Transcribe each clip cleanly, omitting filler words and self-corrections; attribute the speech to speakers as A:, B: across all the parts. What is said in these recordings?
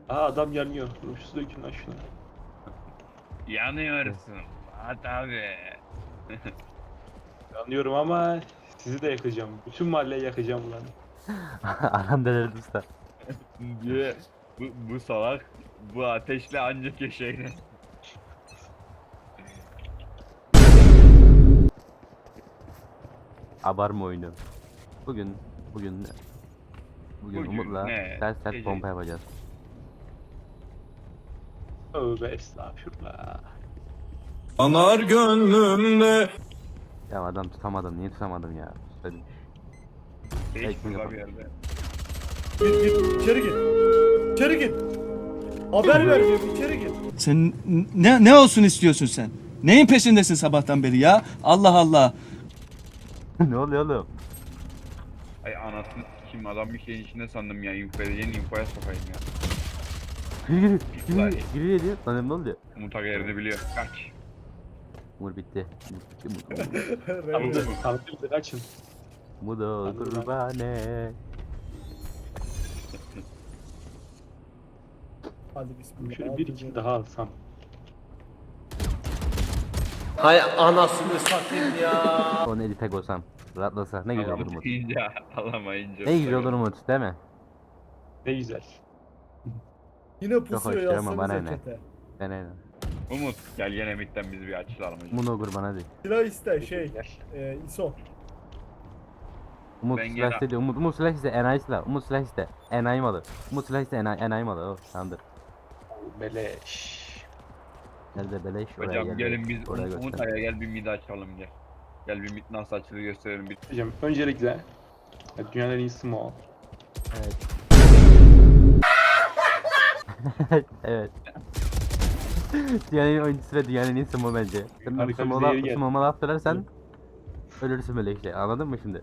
A: Aa adam yanıyor. Ruşsuz dökün lan şuna.
B: Yanıyorsun. Fuat abi.
A: Yanıyorum ama sizi de yakacağım. Bütün mahalleyi yakacağım lan.
C: Adam delirdi usta.
B: Diye bu salak bu ateşle ancak yaşayın.
C: Abarma oyunu. Bugün bugün
B: Bugün
C: Umut'la
B: ne?
C: sert
B: Gece.
C: pompa yapacağız.
A: Tövbe estağfurullah.
D: Anar gönlümde.
C: Ya adam tutamadım. Niye tutamadım ya? Söyledim.
B: Hiç
C: Ekmek
B: burada
C: yapalım.
B: bir yerde.
E: Git içeri git. İçeri git. Haber ver diyorum içeri git.
F: Sen ne olsun istiyorsun sen? Neyin peşindesin sabahtan beri ya? Allah Allah.
C: Ne oluyor oğlum?
B: Ay anasını sikeyim adam bir şeyin içinde sandım ya. Info edeceğin infoya sokayım ya.
C: Giriyor diyor. Sana ne oluyor?
B: Umut Aga yerini biliyor. Kaç.
C: Umur bitti. Umur bitti.
B: Tamam.
A: Kalkın kaçın.
C: Mudo kurbane.
E: Hadi bismillah.
A: Şöyle bir iki daha alsam.
G: Hay anasını satayım ya.
C: Onu edite koysam. Rahatlasa. Ne güzel olur Umut.
B: Alamayınca. Alamayınca.
C: Ne güzel olur Umut değil mi?
A: Ne güzel.
E: Yine
C: hoş
E: pusuyor
C: değil ama bana
E: yazsanıza
C: ne?
E: çete.
C: Ben öyle.
B: Umut gel gene midden biz bir açılalım.
C: Mudo kurban hadi.
E: Silah iste
A: Gel.
E: ISO.
C: Umut
B: Ben
C: silah
B: gene-
C: istedi. Umut silah iste. Enayi silah. Umut silah iste. Enayi malı. Umut silah iste. Enayi malı. Oh, tamamdır.
A: Beleş.
C: Nerede beleş oraya
B: Hocam
C: gel.
B: gelin biz
C: Oraya
B: Umut
C: göster.
B: Aga gel bir mid açalım gel. Gel bir mid nasıl açılır gösterelim bir.
A: Hocam öncelikle dünyanın en iyisi o.
C: Evet. Evet. Dünyanın en iyi oyuncusu ve dünyanın en iyisi o bence. Sen
A: Harika bir zehir geldi.
C: Smoke'a laf söylersen ölürsün böyle işte. Anladın mı şimdi?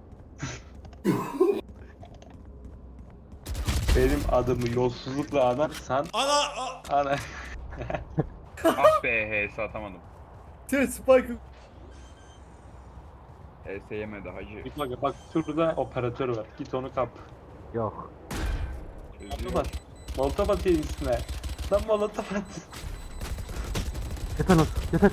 A: Benim adımı yolsuzlukla anarsan ana
B: Ah be HS atamadım.
E: Spike.
B: HS yemedi hacı.
A: bak şurada operatör var. Git onu kap.
C: Yok.
A: Molotof at. Molotof atayım üstüne. Lan molotof at.
C: Yeter lan. Yeter.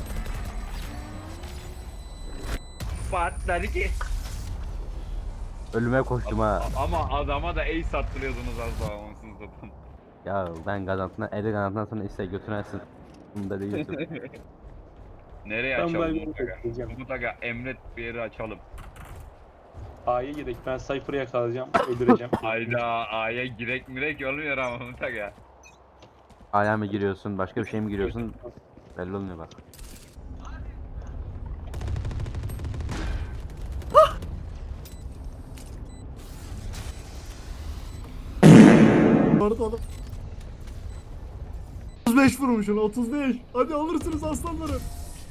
B: Patladı ki.
C: Ölüme koştum ha.
B: Ama adama da ace attırıyordunuz az daha onsuz zaten.
C: Ya ben gazantına, eli gazantından sonra iste götürersin. Bunda değilsin.
B: Nereye
A: Ben
B: açalım
A: böyle
B: Umut Aga?
A: bekleyeceğim.
B: Umut Aga emret bir yeri açalım.
A: A'ya gidelim. Ben Cypher'ı yakalayacağım. Öldüreceğim.
B: Hayda A'ya girek mirek olmuyor ama Umut Aga.
C: Aya mı giriyorsun, başka bir şey mi giriyorsun? Belli olmuyor bak.
E: Orada oğlum. 35 vurmuşsun 35. Hadi alırsınız aslanlarım.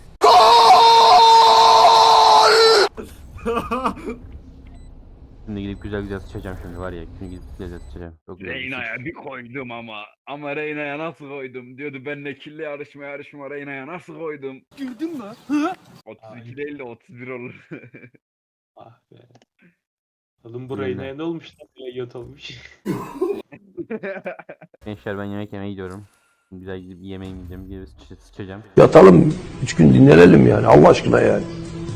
C: Şimdi gidip güzel güzel sıçacağım şimdi var ya. Şimdi gidip güzel güzel sıçacağım. Çok güzel bir
B: Reyna'ya
C: sıç.
B: bir koydum ama. Ama Reyna'ya nasıl koydum? Diyordu benle kirli yarışma Reyna'ya nasıl koydum?
E: Güldün mü?
B: 32 değil de 31 olur.
A: Ah be. Oğlum bu
C: Yine.
A: Reyna'ya ne olmuş lan? Playgate olmuş.
C: Gençler ben yemek yemeye gidiyorum. Güzel gidip yemeğimi yiyeceğim. Gidip sıçacağım.
D: Yatalım 3 gün dinlenelim yani Allah aşkına yani.